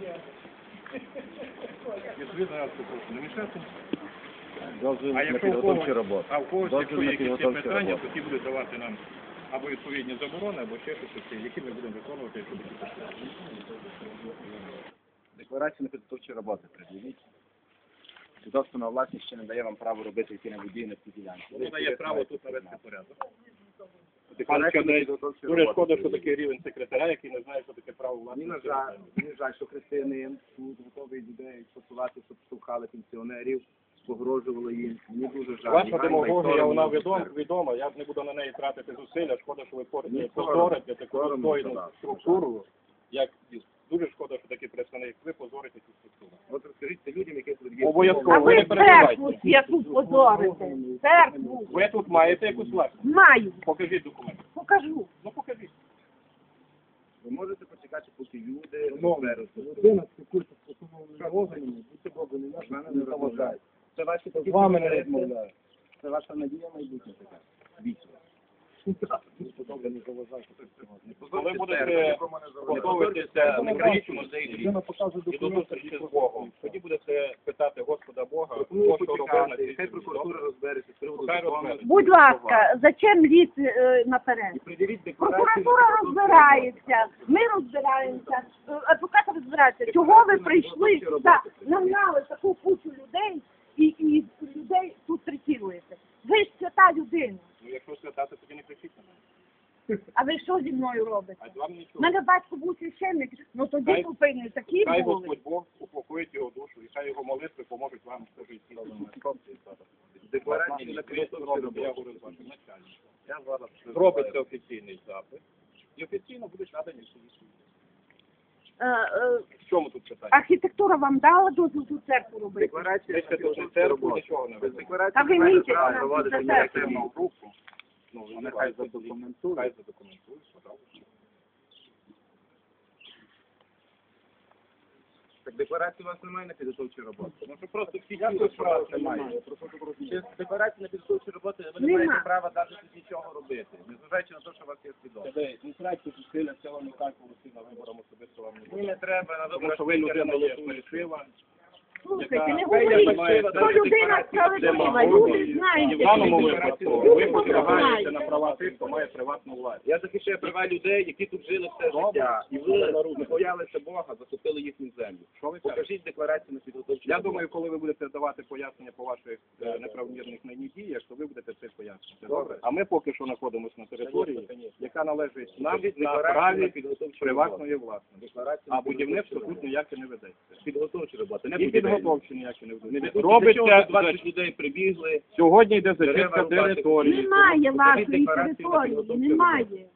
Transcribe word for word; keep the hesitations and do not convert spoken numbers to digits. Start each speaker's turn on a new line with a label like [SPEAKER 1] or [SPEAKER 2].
[SPEAKER 1] Відповідно, я вас попрошу не мішати.
[SPEAKER 2] Дозвіл
[SPEAKER 1] А
[SPEAKER 2] на
[SPEAKER 1] якщо у
[SPEAKER 2] підготовчі
[SPEAKER 1] когось,
[SPEAKER 2] роботи.
[SPEAKER 1] а у когось, якщо
[SPEAKER 2] Дозвіл
[SPEAKER 1] є
[SPEAKER 2] на
[SPEAKER 1] якісь
[SPEAKER 2] підготовчі
[SPEAKER 1] питання,
[SPEAKER 2] роботи.
[SPEAKER 1] то ті будуть давати нам або відповідні заборони, або ще щось, які ми будемо виконувати, якщо такі питання.
[SPEAKER 2] Декларацію на підготовчі роботи пред'явіть. Свідоцтво на власність ще не дає вам право робити які-небудь дії на цій ділянці.
[SPEAKER 1] Воно дає право тут навести порядок.
[SPEAKER 2] Декларацію на підготовчі
[SPEAKER 1] Дуже
[SPEAKER 2] роботи.
[SPEAKER 1] шкода, що такий рівень секретаря, який не знає, що таке право
[SPEAKER 2] Мені
[SPEAKER 1] власності.
[SPEAKER 2] на жаль, мені жаль, що християнин тут готовий людей посувати, щоб штовхали пенсіонерів, погрожували їм. Мені дуже жаль.
[SPEAKER 1] Ваша
[SPEAKER 2] Ганьба і
[SPEAKER 1] демагогія,
[SPEAKER 2] сором
[SPEAKER 1] вона
[SPEAKER 2] мені
[SPEAKER 1] відома,
[SPEAKER 2] тепер.
[SPEAKER 1] відома, я не буду на неї тратити зусилля, шкода, що ви
[SPEAKER 2] Ні,
[SPEAKER 1] позорите таку
[SPEAKER 2] соромно,
[SPEAKER 1] достойну
[SPEAKER 2] соромно,
[SPEAKER 1] структуру, як дуже шкода, що такий представник, ви позорите цю структуру.
[SPEAKER 2] От розкажіть це людям, які тут є.
[SPEAKER 1] Обов'язково.
[SPEAKER 3] А
[SPEAKER 1] Ви
[SPEAKER 3] ви
[SPEAKER 1] не переживайте.
[SPEAKER 3] церкву яку позорите? Церкву.
[SPEAKER 1] Ви тут маєте якусь власність?
[SPEAKER 3] Маю.
[SPEAKER 1] Покажіть документи.
[SPEAKER 3] Покажу.
[SPEAKER 1] Ну покажіть.
[SPEAKER 2] Ви можете почекати, поки люди розберуться.
[SPEAKER 4] Людина спілкується з постановленими органами, будьте Богу, не
[SPEAKER 2] З
[SPEAKER 4] наше,
[SPEAKER 2] мене
[SPEAKER 4] не
[SPEAKER 2] не
[SPEAKER 4] заважає.
[SPEAKER 2] розмовляють. Це ваші
[SPEAKER 4] З
[SPEAKER 2] такі
[SPEAKER 4] вами не
[SPEAKER 2] пріоритети.
[SPEAKER 4] розмовляю.
[SPEAKER 2] Це ваша надія майбутня така. Вічна.
[SPEAKER 4] Добре, не заважайте.
[SPEAKER 1] Коли будете готуватися на країну музей
[SPEAKER 4] Людина показує
[SPEAKER 1] і до
[SPEAKER 4] документи.
[SPEAKER 1] зустрічі з Богом, тоді будете питати Господа Бога,
[SPEAKER 2] Пропоную
[SPEAKER 1] що робив на
[SPEAKER 2] почекати,
[SPEAKER 1] цій
[SPEAKER 2] хай
[SPEAKER 1] землі.
[SPEAKER 2] прокуратура розбереться з приводу
[SPEAKER 1] Хай
[SPEAKER 2] закону.
[SPEAKER 1] розбереться.
[SPEAKER 3] Будь ласка, зачем ліс е, наперед?
[SPEAKER 2] І приділіть декларацію.
[SPEAKER 3] Прокуратура розбирається, ми розбираємося, е, адвокат розбирається. Чого ви прийшли сюди, нагнали таку кучу людей і, і людей тут третіруєте? Ви ж свята людина.
[SPEAKER 1] Ну, якщо святати, тоді не кричіть на мене.
[SPEAKER 3] А ви що зі мною робите?
[SPEAKER 1] А вам
[SPEAKER 3] У
[SPEAKER 1] нічого.
[SPEAKER 3] мене батько був священник, ну тоді
[SPEAKER 1] Хай-
[SPEAKER 3] повинні такі
[SPEAKER 1] Хай
[SPEAKER 3] були.
[SPEAKER 1] Господь Бог упокоїть його душу, і хай його молитви поможуть вам в житті.
[SPEAKER 2] Декларацію на підготовчі
[SPEAKER 1] Я
[SPEAKER 2] роботи.
[SPEAKER 1] говорю з вашим начальником.
[SPEAKER 2] Я зараз
[SPEAKER 1] Зробиться офіційний запит, і офіційно будуть надані всі відповіді.
[SPEAKER 3] Е, е,
[SPEAKER 1] В чому тут питання?
[SPEAKER 3] архітектура вам дала дозвіл ту церкву робити?
[SPEAKER 2] Декларація
[SPEAKER 1] Ми
[SPEAKER 2] на
[SPEAKER 1] ще тут
[SPEAKER 2] підготовчі
[SPEAKER 1] церкву
[SPEAKER 2] роботи.
[SPEAKER 1] нічого не
[SPEAKER 2] Без
[SPEAKER 1] ведемо.
[SPEAKER 2] декларації
[SPEAKER 3] Та ви
[SPEAKER 2] немає
[SPEAKER 3] мітите
[SPEAKER 2] права
[SPEAKER 3] нам
[SPEAKER 2] проводити
[SPEAKER 3] за
[SPEAKER 2] ніякі
[SPEAKER 3] церкву.
[SPEAKER 2] дії.
[SPEAKER 1] групу. Ну,
[SPEAKER 2] Вони
[SPEAKER 1] вони
[SPEAKER 2] хай
[SPEAKER 1] хай
[SPEAKER 2] задокументують.
[SPEAKER 1] Хай задокументують, пожалуйста.
[SPEAKER 2] Так декларації у вас немає на підготовчі роботи.
[SPEAKER 1] Ну, що просто всі
[SPEAKER 2] Я
[SPEAKER 1] ті,
[SPEAKER 2] тут
[SPEAKER 1] що
[SPEAKER 2] прав
[SPEAKER 1] вас
[SPEAKER 2] немає.
[SPEAKER 1] немає.
[SPEAKER 2] Через декларації на підготовчі роботи ви не
[SPEAKER 3] Нема.
[SPEAKER 2] маєте права навіть тут нічого робити, незважаючи на те, що у вас є свідомо.
[SPEAKER 1] Тебе не тратьте зусилля, це вам не так голоси на виборам особисто вам не
[SPEAKER 2] Мені
[SPEAKER 1] буде.
[SPEAKER 2] не треба на
[SPEAKER 1] Тому
[SPEAKER 2] виборах.
[SPEAKER 1] що ви людина є
[SPEAKER 2] голосуєте.
[SPEAKER 1] фальшива.
[SPEAKER 3] Слухайте, не
[SPEAKER 1] яка-
[SPEAKER 3] говоріть,
[SPEAKER 1] займається
[SPEAKER 3] що людина справедлива, люди знають.
[SPEAKER 1] В даному
[SPEAKER 3] які
[SPEAKER 1] випадку
[SPEAKER 3] люди.
[SPEAKER 1] ви
[SPEAKER 3] Люди
[SPEAKER 1] посягаєте
[SPEAKER 3] знають.
[SPEAKER 1] на права тих, хто має приватну власність.
[SPEAKER 2] Я захищаю права людей, які тут жили все життя. І ви не боялися Бога, захопили їхню землю.
[SPEAKER 1] Що ви кажете?
[SPEAKER 2] Покажіть декларацію на підготовчі
[SPEAKER 1] Я
[SPEAKER 2] роботи.
[SPEAKER 1] думаю, коли ви будете давати пояснення по ваших е, неправомірних нині діях, то ви будете це пояснювати.
[SPEAKER 2] Добре.
[SPEAKER 1] А ми поки що знаходимося на території, яка належить нам
[SPEAKER 2] Покажіть
[SPEAKER 1] на
[SPEAKER 2] декларацію на
[SPEAKER 1] праві
[SPEAKER 2] підготовчі
[SPEAKER 1] приватної
[SPEAKER 2] роботи.
[SPEAKER 1] власності.
[SPEAKER 2] Декларацію
[SPEAKER 1] А
[SPEAKER 2] на
[SPEAKER 1] будівництво
[SPEAKER 2] підготовчі
[SPEAKER 1] тут ніяке не ведеться.
[SPEAKER 2] роботи. Підготовчі роботи, не
[SPEAKER 1] І
[SPEAKER 2] будівельні.
[SPEAKER 1] підготовчі ніякі не
[SPEAKER 2] Не
[SPEAKER 1] ведеться.
[SPEAKER 2] ведуть. Для
[SPEAKER 1] Робиться
[SPEAKER 2] чого двадцять людей прибігли.
[SPEAKER 1] сьогодні йде
[SPEAKER 2] Дерева
[SPEAKER 1] зачистка
[SPEAKER 2] рубати.
[SPEAKER 1] території.
[SPEAKER 3] Немає
[SPEAKER 2] Покажіть
[SPEAKER 3] вашої
[SPEAKER 2] декларацію на
[SPEAKER 3] території,
[SPEAKER 2] підготовчі
[SPEAKER 3] немає.